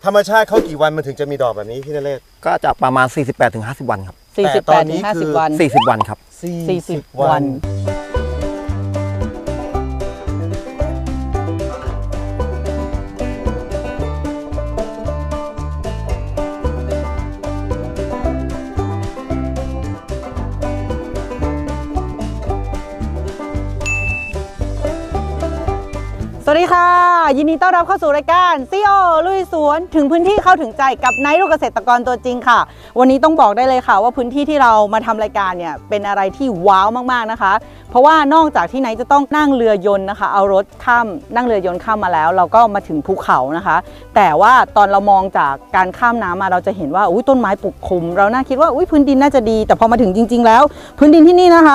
ธรรมชาติเขากี่วันมันถึงจะมีดอกแบบนี้พี่นเรศก็จะประมาณ 48-50 วันครับ 48 ถึง 50 วัน 40 วันครับ 40 วันสวัสดีค่ะยินดีต้อนรับเข้าสู่รายการซีโอลุยสวนถึงพื้นที่เข้าถึงใจกับไนท์ลูกเกษตรกรตัวจริงค่ะวันนี้ต้องบอกได้เลยค่ะว่าพื้นที่ที่เรามาทำรายการเนี่ยเป็นอะไรที่ว้าวมากๆนะคะเพราะว่านอกจากที่ไนท์จะต้องนั่งเรือยนต์นะคะเอารถข้ามนั่งเรือยนต์ข้ามมาแล้วเราก็มาถึงภูเขานะคะแต่ว่าตอนเรามองจากการข้ามน้ำมาเราจะเห็นว่าต้นไม้ปกคลุมเราน่าคิดว่าพื้นดินน่าจะดีแต่พอมาถึงจริงๆแล้วพื้นดินที่นี่นะคะ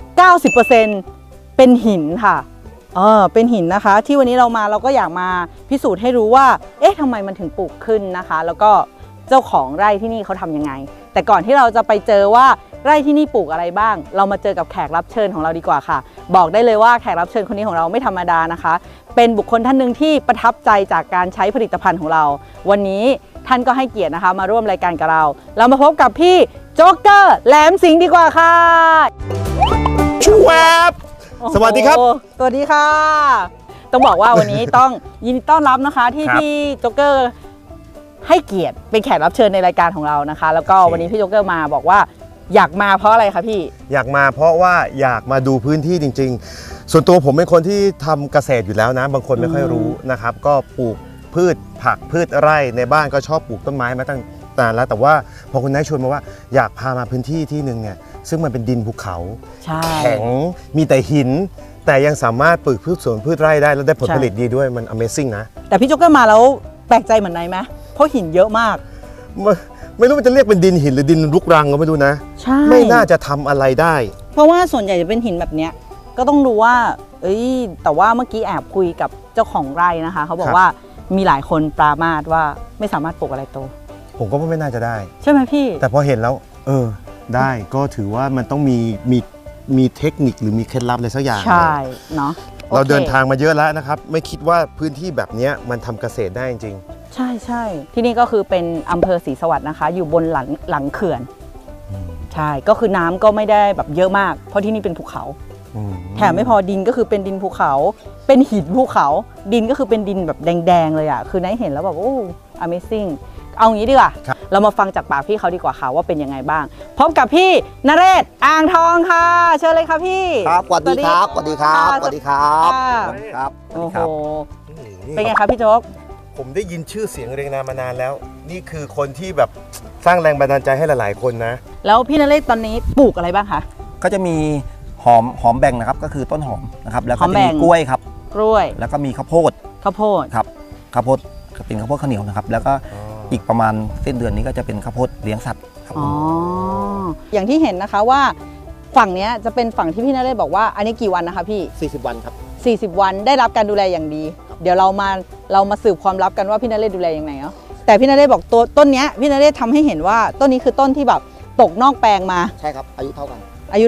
90% เป็นหินค่ะเป็นหินนะคะที่วันนี้เรามาเราก็อยากมาพิสูจน์ให้รู้ว่าทำไมมันถึงปลูกขึ้นนะคะแล้วก็เจ้าของไร่ที่นี่เขาทำยังไงแต่ก่อนที่เราจะไปเจอว่าไร่ที่นี่ปลูกอะไรบ้างเรามาเจอกับแขกรับเชิญของเราดีกว่าค่ะบอกได้เลยว่าแขกรับเชิญคนนี้ของเราไม่ธรรมดานะคะเป็นบุคคลท่านหนึ่งที่ประทับใจจากการใช้ผลิตภัณฑ์ของเราวันนี้ท่านก็ให้เกียรตินะคะมาร่วมรายการกับเรามาพบกับพี่โจ๊กเกอร์แหลมสิงห์ดีกว่าค่ะชูแวบสวัสดีครับสวัสดีค่ะต้องบอกว่าวันนี้ต้องยินดีต้อนรับนะคะที่พี่โจ๊กเกอร์ให้เกียรติเป็นแขกรับเชิญในรายการของเรานะคะแล้วก็วันนี้พี่โจ๊กเกอร์มาบอกว่าอยากมาเพราะอะไรคะพี่อยากมาเพราะว่าอยากมาดูพื้นที่จริงๆส่วนตัวผมเป็นคนที่ทำเกษตรอยู่แล้วนะบางคนไม่ค่อยรู้นะครับก็ปลูกพืชผักพืชไร่ในบ้านก็ชอบปลูกต้นไม้มาตั้งนานแล้วแต่ว่าพอคุณนายชวนมาว่าอยากพามาพื้นที่ที่นึงเนี่ยซึ่งมันเป็นดินภูเขาแข็งมีแต่หินแต่ยังสามารถปลูกพืชสวนพืชไร่ได้แล้วได้ผลผลิตดีด้วยมัน Amazing นะแต่พี่โจ๊กเกอร์มาแล้วแปลกใจเหมือนนายไหมเพราะหินเยอะมากไม่รู้มันจะเรียกเป็นดินหินหรือดินรุกรังก็ไม่รู้นะใช่ไม่น่าจะทำอะไรได้เพราะว่าส่วนใหญ่จะเป็นหินแบบเนี้ยก็ต้องดูว่าแต่ว่าเมื่อกี้แอบคุยกับเจ้าของไร่นะคะเขาบอกว่ามีหลายคนปรามาสว่าไม่สามารถปลูกอะไรโตผมก็ไม่น่าจะได้ใช่ไหมพี่แต่พอเห็นแล้วได้ก็ถือว่ามันต้องมีเทคนิคหรือมีเคล็ดลับอะไรสักอย่างใช่เนาะเราเดินทางมาเยอะแล้วนะครับไม่คิดว่าพื้นที่แบบนี้มันทำเกษตรได้จริงใช่ที่นี่ก็คือเป็นอำเภอศรีสวัสดิ์นะคะอยู่บนหลังเขื่อนใช่ก็คือน้ำก็ไม่ได้แบบเยอะมากเพราะที่นี่เป็นภูเขาแถมไม่พอดินก็คือเป็นดินภูเขาเป็นหินภูเขาดินก็คือเป็นดินแบบแดงๆเลยอ่ะคือนายเห็นแล้วแบบAmazing เอางี้ดีกว่าเรามาฟังจากปากพี่เขาดีกว่าค่ะว่าเป็นยังไงบ้างพบกับพี่นเรศอ่างทองค่ะเชิญเลยค่ะพี่ครับสวัสดีครับสวัสดีครับสวัสดีครับครับโอ้โหเป็นไงครับพี่โจ๊กผมได้ยินชื่อเสียงเรียงนามมานานแล้วนี่คือคนที่แบบสร้างแรงบันดาลใจให้หลายๆคนนะแล้วพี่นเรศตอนนี้ปลูกอะไรบ้างคะก็จะมีหอมแบ่งนะครับก็คือต้นหอมนะครับแล้วก็จะมีกล้วยครับกล้วยแล้วก็มีข้าวโพดครับข้าวโพดเป็นข้าวโพดข้าวเหนียวนะครับแล้วก็อีกประมาณสิ้นเดือนนี้ก็จะเป็นข้าวโพดเลี้ยงสัตว์ครับอย่างที่เห็นนะคะว่าฝั่งนี้จะเป็นฝั่งที่พี่นเรศบอกว่าอันนี้กี่วันนะคะพี่ 40 วันครับ 40 วันได้รับการดูแลอย่างดีเดี๋ยวเรามาสืบความลับกันว่าพี่นเรศดูแลอย่างไรเนาะแต่พี่นเรศบอกตัวต้นนี้พี่นเรศทำให้เห็นว่าต้นนี้คือต้นที่แบบตกนอกแปลงมาใช่ครับอายุเท่ากัน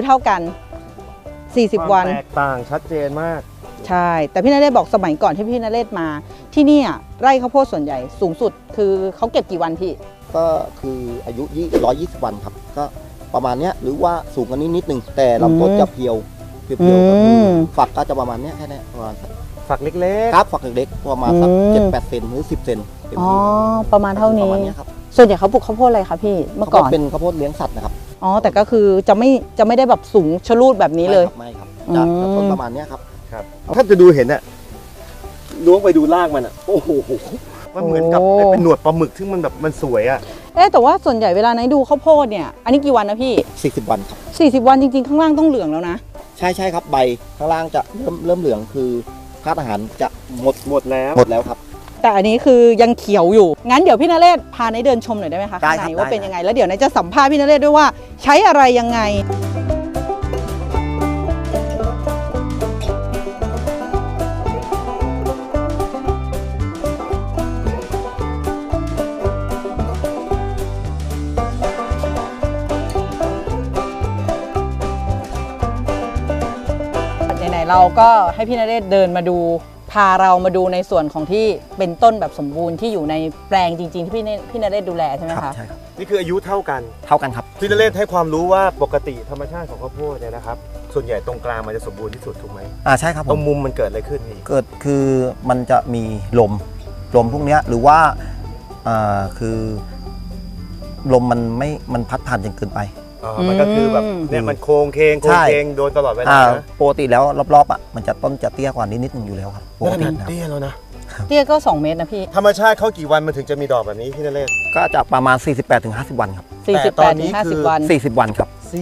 40 วันแตกต่างชัดเจนมากใช่แต่พี่นเรศบอกสมัยก่อนที่พี่นเรศมาที่นี่ไร่ข้าวโพดส่วนใหญ่สูงสุดคือเขาเก็บกี่วันพี่ก็คืออายุ120 วันครับก็ประมาณนี้หรือว่าสูงกันนิดนึงแต่ลำต้นจะเพียวฝักก็จะประมาณนี้แค่นี้ประมาณฝักเล็กๆครับฝักเล็กๆประมาณสัก7-8 เซนหรือ10 เซนประมาณเท่านี้ส่วนใหญ่เขาปลูกข้าวโพดอะไรคะพี่เมื่อก่อนเป็นข้าวโพดเลี้ยงสัตว์นะครับแต่ก็คือจะไม่ได้แบบสูงชะลูดแบบนี้เลยไม่ครับจะต้นประมาณนี้ครับถ้าจะดูเห็นล้วงไปดูรากมันโอ้โหมันเหมือนกับเป็นหนวดปลาหมึกที่มันแบบมันสวยแต่ว่าส่วนใหญ่เวลาไหนดูข้าวโพดเนี่ยอันนี้กี่วันนะพี่ 40 วันครับ 40 วันจริงๆข้างล่างต้องเหลืองแล้วนะใช่ครับใบข้างล่างจะเริ่มเหลืองคือธาตุอาหารจะหมดแล้วครับแต่อันนี้คือยังเขียวอยู่งั้นเดี๋ยวพี่นเรศพาในเดินชมหน่อยได้ไหมคะข้างในว่าเป็นยังไงแล้วเดี๋ยวนายจะสัมภาษณ์พี่นเรศด้วยว่าใช้อะไรยังไงเราก็ให้พี่นเรศเดินมาดูพาเรามาดูในส่วนของที่เป็นต้นแบบสมบูรณ์ที่อยู่ในแปลงจริงๆที่พี่นเรศดูแลใช่ไหมครับคะใช่ครับนี่คืออายุเท่ากันเท่ากันครับพี่นเรศให้ความรู้ว่าปกติธรรมชาติของข้าวโพดเนี่ยนะครับส่วนใหญ่ตรงกลางมันจะสมบูรณ์ที่สุดถูกไหมใช่ครับผตรมงมุมมันเกิดอะไรขึ้นพี่เกิดคือมันจะมีลมพวกเนี้ยหรือว่าคือลมมันพัดผ่านจนเกินไปมันก็คือแบบเนี่ยมันโค้งเคงโดนตลอดเวลานะปกติแล้วรอบๆมันจะต้นจะเตี้ยกว่านิดนึงอยู่แล้วครับปกตินะครับเตี้ยแล้วนะเตี้ยก็ 2 เมตรนะพี่ธรรมชาติเขากี่วันมันถึงจะมีดอกแบบนี้พี่นเรศก็จะประมาณ 48-50 วันครับแต่ตอนนี้ 48 ถึงคือ 50 วัน 40 วันครับ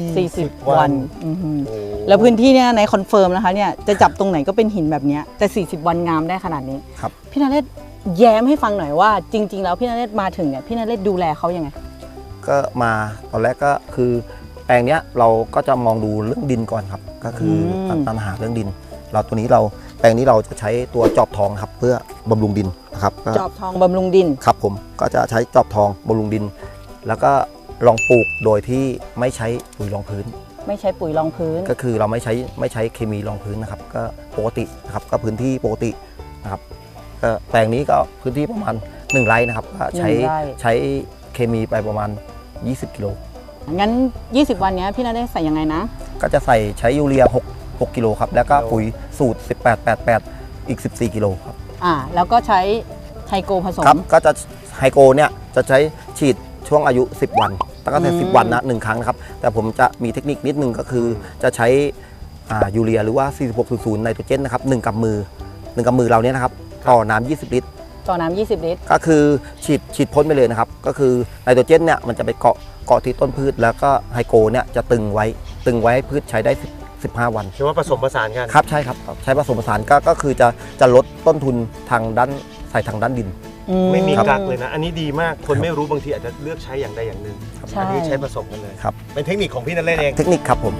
40 วันอื้อหือแล้วพื้นที่เนี่ยในคอนเฟิร์มนะคะเนี่ยจะจับตรงไหนก็เป็นหินแบบเนี้ยแต่40 วันงามได้ขนาดนี้ครับพี่นเรศแย้มให้ฟังหน่อยว่าจริง ๆ แล้วพี่นเรศมาถึงเนี่ยพี่นเรศดูแลเขายังไงก็มาตอนแรกก็คือแปลงเนี้ยเราก็จะมองดูเรื่องดินก่อนครับ ก็คือปัญหาเรื่องดิน แปลงนี้เราจะใช้ตัวจอบทองครับเพื่อบำรุงดินนะครับก็จอบทองบำรุงดินครับผมก็จะใช้จอบทองบำรุงดิน แล้วก็ลองปลูกโดยที่ไม่ใช้ปุ๋ยรองพื้นไม่ใช้ปุ๋ยรองพื้นก็คือเราไม่ใช้เคมีรองพื้นนะครับ ก็ปกตินะครับก็พื้นที่ปกตินะครับก็แปลงนี้ก็พื้นที่ประมาณ1 ไร่นะครับก็ใช้ 1 ไร่ใช้เคมีไปประมาณ20 กิโลงั้น 20 วันเนี้ยพี่นเรศใส่ยังไงนะก็จะใช้ยูเรีย6 กิโลครับแล้วก็ปุ๋ยสูตร 18-88 อีก 14 กิโลครับแล้วก็ใช้ไทโกผสมครับก็จะไฮโกเนี่ยจะใช้ฉีดช่วงอายุ 10 วันตั้งแต่10 วันนะ1 ครั้งนะครับแต่ผมจะมีเทคนิคนิดนึงก็คือจะใช้ยูเรียหรือว่า 4600 ไนโตรเจนนะครับ1 กำมือเราเนี่ยนะครับต่อน้ำ20 ลิตรต่อน้ำ20 ลิตรก็คือฉีดพ่นไปเลยนะครับก็คือไนโตรเจนเนี่ยมันจะไปเกาะที่ต้นพืชแล้วก็ไฮโกเนี่ยจะตึงไว้ให้พืชใช้ได้15 วันใช่ว่าผสมผสานกันครับใช่ครับใช้ผสมผสานก็คือจะลดต้นทุนทางด้านดินไม่มีครับกักเลยนะ อันนี้ดีมากคนไม่รู้บางทีอาจจะเลือกใช้อย่างใดอย่างหนึ่งใช่อันนี้ใช้ผสมกันเลยครับเป็นเทคนิคของพี่นเรศเองเทคนิคครับผม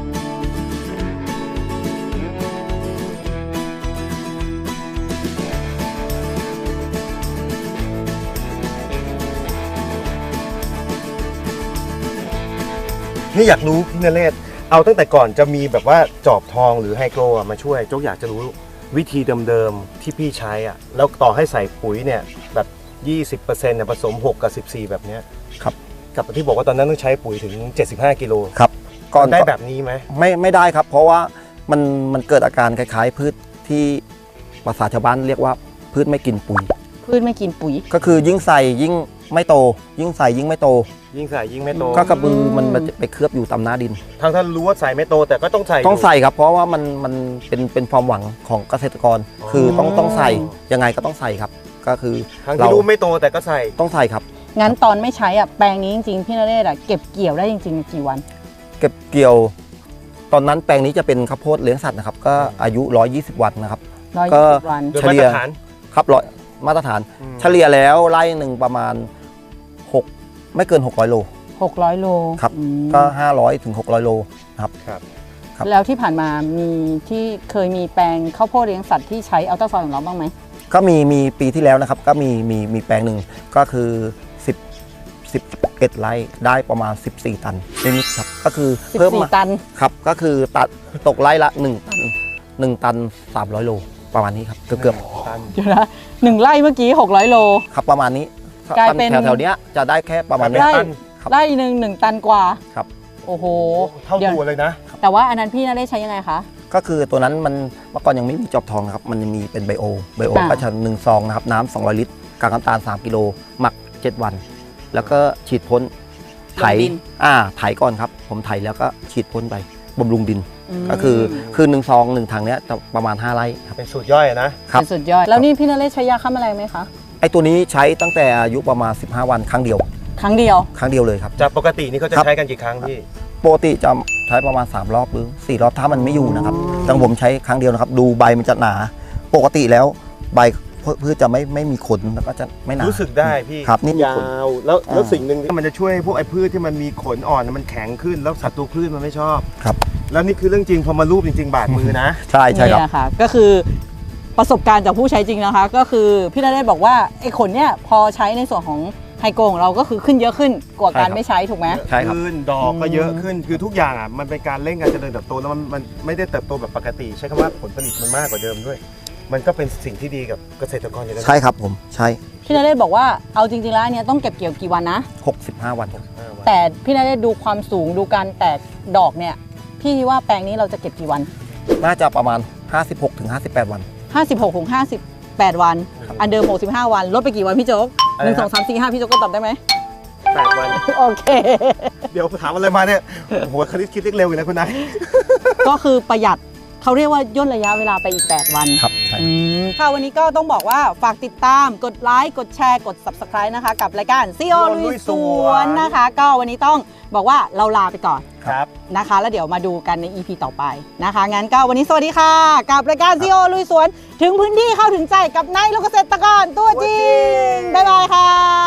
นี่อยากรู้พี่นเรศเอาตั้งแต่ก่อนจะมีแบบว่าจอบทองหรือไฮโกรมาช่วยโจ๊กอยากจะรู้วิธีเดิมๆที่พี่ใช้อ่ะแล้วต่อให้ใส่ปุ๋ยเนี่ยแบบ 20%เนี่ยผสม 6 กับ 14 แบบเนี้ยครับกับที่บอกว่าตอนนั้นต้องใช้ปุ๋ยถึง 75 กิโลครับได้แบบนี้ไหมไม่ได้ครับ เพราะว่ามันเกิดอาการคล้ายๆ พืชที่ภาษาชาวบ้านเรียกว่าพืชไม่กินปุ๋ยพืชไม่กินปุ๋ยก็คือยิ่งใส่ยิ่งไม่โต ยิ่งใส่ยิ่งไม่โตยิ่งใส่ยิ่งไม่โตก็กระบือมันจะไปเคลือบอยู่ตามหน้าดินทั้งท่านรู้ว่าใส่ไม่โตแต่ก็ต้องใส่ต้องใส่ครับ เพราะว่ามันเป็นความหวังของเกษตรกร คือต้องใส่ยังไงก็ต้องใส่ครับ ก็คือทั้งที่รู้ไม่โตแต่ก็ใส่ต้องใส่ครับงั้นตอนไม่ใช้แปลงนี้จริงๆพี่นเรศเก็บเกี่ยวได้จริงๆกี่วันเก็บเกี่ยว ตอนนั้นแปลงนี้จะเป็นข้าวโพดเลี้ยงสัตว์นะครับ ก็อายุ 120 วันนะครับ ก็ 120 วันโดยมาตรฐานครับมาตรฐาน เฉลี่ยแล้วไร่หนึ่งประมาณ6ไม่เกิน600 โล 600 โลครับอืมก็500 ถึง 600 โลนะครับครับครับแล้วที่ผ่านมามีที่เคยมีแปลงข้าวโพดเลี้ยงสัตว์ที่ใช้อัลตราซาวด์ของเราบ้างไหมก็มีปีที่แล้วนะครับ ก็มีแปลงหนึ่งก็คือ11 ไร่ได้ประมาณ 14 ตันนิดๆครับก็คือเพิ่มมา 14 ตันครับก็คือตกไร่ละ1 ตัน1 ตัน 300 โลประมาณนี้ครับเกือบตันเดี๋ยวนะ1 ไร่เมื่อกี้ 600 โลๆครับประมาณนี้กลายเป็นแถวๆเนี้ยจะได้แค่ประมาณเป็นี้ไร่ตันครับไร่หนึ่ง1 ตันกว่าครับโอ้โหเท่าเดี๋ยวตัวเลยนะแต่ว่าอันนั้นพี่นเรศใช้ยังไงคะก็คือตัวนั้นมันเมื่อก่อนยังไม่มีจอบทองนะครับมันจะมีเป็นไบโออ่าก็จะ1 ซองนะครับน้ำ200 ลิตรกากน้ำตาล3 กิโลหมัก 7 วัน แล้วก็ฉีดพ่นไถไถก่อนครับผมไถแล้วก็ฉีดพ่นไปบำรุงดินมก็คือ1 ซอง 1 ถังเนี้ยจะประมาณ5 ไร่ครับเป็นสูตรย่อยนะครับเป็นสุดยอดแล้วนี่พี่นเรศใช้ยาฆ่าแมลงไหมคะไอตัวนี้ใช้ตั้งแต่อายุประมาณ15 วันครั้งเดียวครั้งเดียวเลยครับจากปกตินี่เขาจะครับใช้กันกี่ครั้งพี่ปกติจะใช้ประมาณ3 รอบหรือ4 รอบถ้ามันไม่อยู่นะครับแต่ผมใช้ครั้งเดียวนะครับดูใบมันจะหนา ปกติแล้วใบพืชจะไม่มีขนแล้วก็จะไม่หนารู้สึกได้พี่ครับนี่มียาขนวแล้วอ่าสิ่งหนึ่งที่มันจะช่วยพวกไอ้พืชที่มันมีขนอ่อนมันแข็งขึ้นแล้วศัตรูพืชมันไม่ชอบครับแล้วนี่คือเรื่องจริงพอมารูปจริง ๆ บาดมือนะใช่ครับนี่ค่ะก็คือประสบการณ์จากผู้ใช้จริงนะคะ ก็คือพี่นเรศบอกว่าไอ้ขนเนี่ยพอใช้ในส่วนของไฮโกของเราก็คือขึ้นเยอะขึ้นกว่าการใช่ครับไม่ใช้ถูกไหมใช่ครับขึ้นดอกก็เยอะขึ้นคือทุกอย่างมันเป็นการเร่งการเจริญเติบโตแล้วมันไม่ได้เติบโตแบบปกติ ใช้คำว่าผลผลิตมันมากกว่าเดิมด้วยมันก็เป็นสิ่งที่ดีกับเกษตรกรอยู่แล้วใช่ครับผมใช่พี่นเรศบอกว่าเอาจริงๆแล้วอันเนี้ยต้องเก็บเกี่ยวกี่วันนะ 65 วันครับแต่พี่นเรศดูความสูงดูการแตกดอกเนี่ยพี่ว่าแปลงนี้เราจะเก็บกี่วันน่าจะประมาณ 56-58 วัน 56ถึง58 วัน อันเดิม65 วันลดไปกี่วันพี่โจ๊กอะไร 1 ครับ 2 3 4 5พี่โจ๊กก็ตอบได้ไหม 8 วันโอเคเดี๋ยวถามอะไรมาเนี่ยโอ้โหคณิตคิดเลขเร็วอยู่นะคุณนายก็คือประหยัดเขาเรียกว่าย่นระยะเวลาไปอีก 8 วันครับใช่ค่ะวันนี้ก็ต้องบอกว่าฝากติดตามกดไลค์กดแชร์กด Subscribe นะคะ กับรายการซีโอลุยสวนนะคะ ก็วันนี้ต้องบอกว่าเราลาไปก่อนครับนะคะ แล้วเดี๋ยวมาดูกันใน EP ต่อไปนะคะ งั้นก็วันนี้สวัสดีค่ะ กับรายการซีโอลุยสวน ถึงพื้นที่เข้าถึงใจกับนายลูกเกษตรกรตัวจริง บ๊ายบายค่ะ